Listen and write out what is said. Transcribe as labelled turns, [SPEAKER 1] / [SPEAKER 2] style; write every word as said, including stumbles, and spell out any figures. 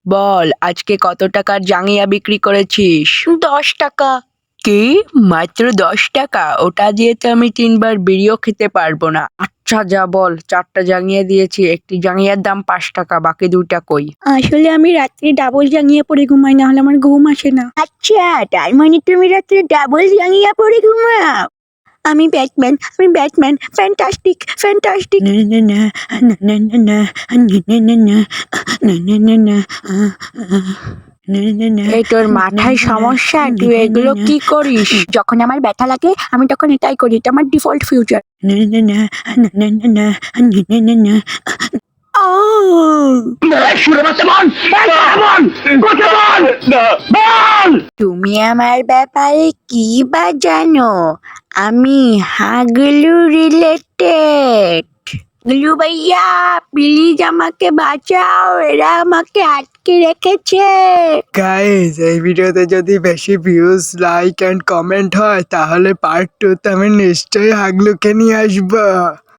[SPEAKER 1] বল আজকে কত টাকার জাঙ্গিয়া বিক্রি করেছিস? দশ টাকা। কি? মাত্র দশ টাকা? ওটা দিয়ে তো আমি তিনবার বিড়িও খেতে পারবো না। আচ্ছা যা বল, চারটা জাঙ্গিয়া দিয়েছি, একটি জাঙ্গিয়ার দাম পাঁচ টাকা, বাকি দুইটা কই?
[SPEAKER 2] আসলে আমি রাত্রে ডাবল জাঙ্গিয়া পরে ঘুমাই, না হলে আমার ঘুম আসে না। আচ্ছা, তার মানে তুমি রাত্রে ডাবল জাঙ্গিয়া পরে ঘুমাও? আমি ব্যাটম্যান, আমি ব্যাটম্যান, ফ্যান্টাস্টিক, ফ্যান্টাস্টিক। না না না না না না না না না না না না না
[SPEAKER 1] এই তোর মাথায় সমস্যা? তুই এগুলো কি করিস?
[SPEAKER 2] যখন আমার ব্যথা লাগে আমি তখন এটাই করি, এটা আমার ডিফল্ট ফিউচার। তুমি আমার ব্যাপারে কি বা জানো? আমি হাগলু রিলেটেড। গুলু ভাইয়া প্লিজ আমাকে বাঁচাও, এরা আমাকে আটকে রেখেছে।
[SPEAKER 3] গাইজ, এই ভিডিওতে যদি বেশি ভিউজ, লাইক অ্যান্ড কমেন্ট হয় তাহলে পার্ট টুতে আমি নিশ্চয়ই হাগলুকে নিয়ে আসবো।